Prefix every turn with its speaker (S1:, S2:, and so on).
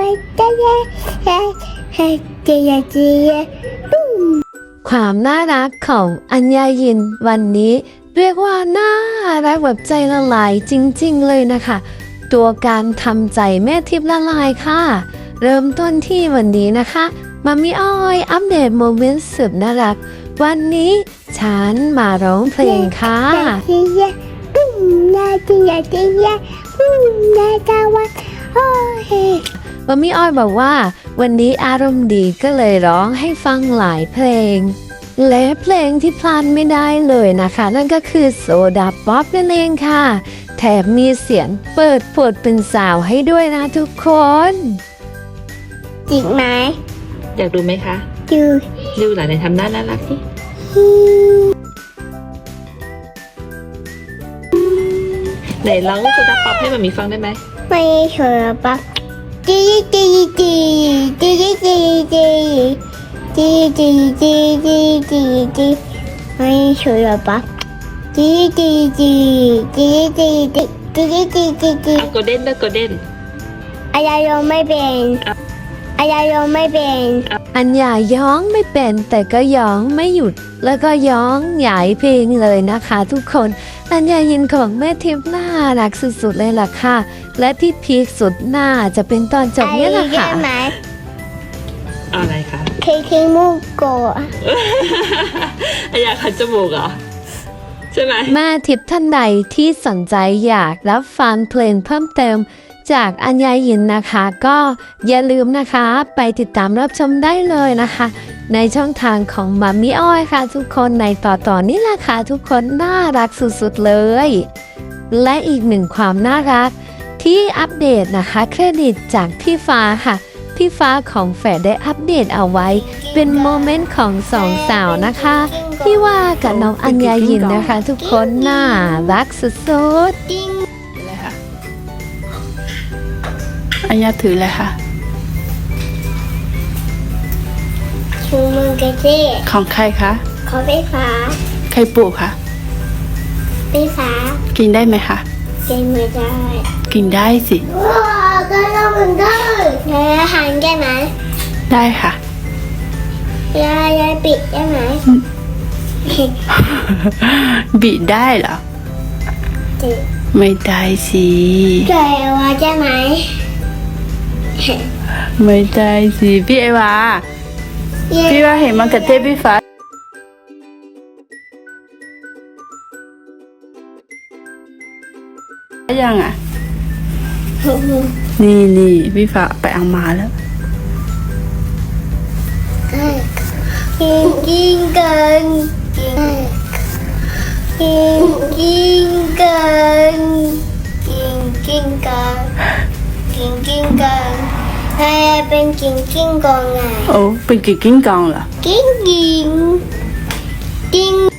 S1: ความน่ารักของอัญญายินวันนี้เรียกว่าน่ารักแบบใจละลายจริงๆเลยนะคะ ตัวการทำใจแม่ทิพย์ละลายค่ะ เริ่มต้นที่วันนี้นะคะมัมมี่อ้อยอัปเดตโมเมนต์สุดน่ารักวันนี้ฉันมาร้องเพลงค่ะมัมมี่อ้อยบอกว่าวันนี้อารมณ์ดีก็เลยร้องให้ฟังหลายเพลงและเพลงที่พลาดไม่ได้เลยนะคะนั่นก็คือโซดาป๊อปนั่นเองค่ะแถมมีเสียงเปิดผดเป็นสาวให้ด้วยนะทุกคน
S2: จริงไหม
S3: อยากดูไหมคะดูหลานในทำหน้าน่ารักสิไหนร้องโซดาป๊อปให้มามีฟังได้ไหม
S2: ไม่โซดาป๊อปจีจีจีจีจีจีจีจีจีจีจีจีไม่โซดาป๊อปจีจีจีจีจีจีจีจีจีจี
S3: โกลเด้นด้วยโกลเด้น
S2: อะไรร้องไม่เป็นอะไรร้องไม่เป็น
S1: อัญญาย้องไม่เป็นแต่ก็ย้องไม่หยุดแล้วก็ย้องหยายเพลงเลยนะคะทุกคนอัญญายินของแม่ทิพย์น่ารักสุดๆเลยล่ะค่ะและที่พีคสุดน่าจะเป็นตอนจบเนี่ยแหละค่ะ
S3: อะไรคะ
S2: เคมูโกะ
S3: อัญญาคันจมูกเหรอใช่ไหม
S1: แม่ทิพย์ท่านใดที่สนใจอยากรับฟังเพลงเพิ่มเติมจากอัญญายินนะคะก็อย่าลืมนะคะไปติดตามรับชมได้เลยนะคะในช่องทางของมัมมี่อ้อยค่ะทุกคนในต่อนี้แหละค่ะทุกคนน่ารักสุดๆเลยและอีกหนึ่งความน่ารักที่อัปเดตนะคะเครดิตจากพี่ฟ้าค่ะพี่ฟ้าของแฝดได้อัปเดตเอาไว้เป็นโมเมนต์ของสองสาวนะคะที่ว่ากับน้องอัญญายินนะคะทุกคนน่ารักสุดๆ
S4: อัญญาถือเลยค่ะ
S2: ชูมือกระเจี๊ย
S4: ของใครคะ
S2: ของไฟฟ้า
S4: ใครปลูกคะ
S2: ไฟฟ้า
S4: กินได้ไหมคะ
S2: กินไม่ได้
S4: กินได้สิ
S2: ว้าวก็ต้องกินได้แล้วหันได้ไหม
S4: ได้ค่ะ
S2: ยายปิดได้ไหม
S4: บิดได้เหรอไม่ได้สิ
S2: ใจว่าได้ไหม
S4: ไม่ได้สิพี่เอวาพี่ว่าเห็นมันกระเทศพี่ฟ้ายังอ่ะนี่พี่ฟ้าไปเอามาแล้ว
S2: กินกันกินกันกินกันให้เป็นกิ้งกองไง
S4: โอ้เป็นกิ้งกองเหรอ
S2: กิ้ง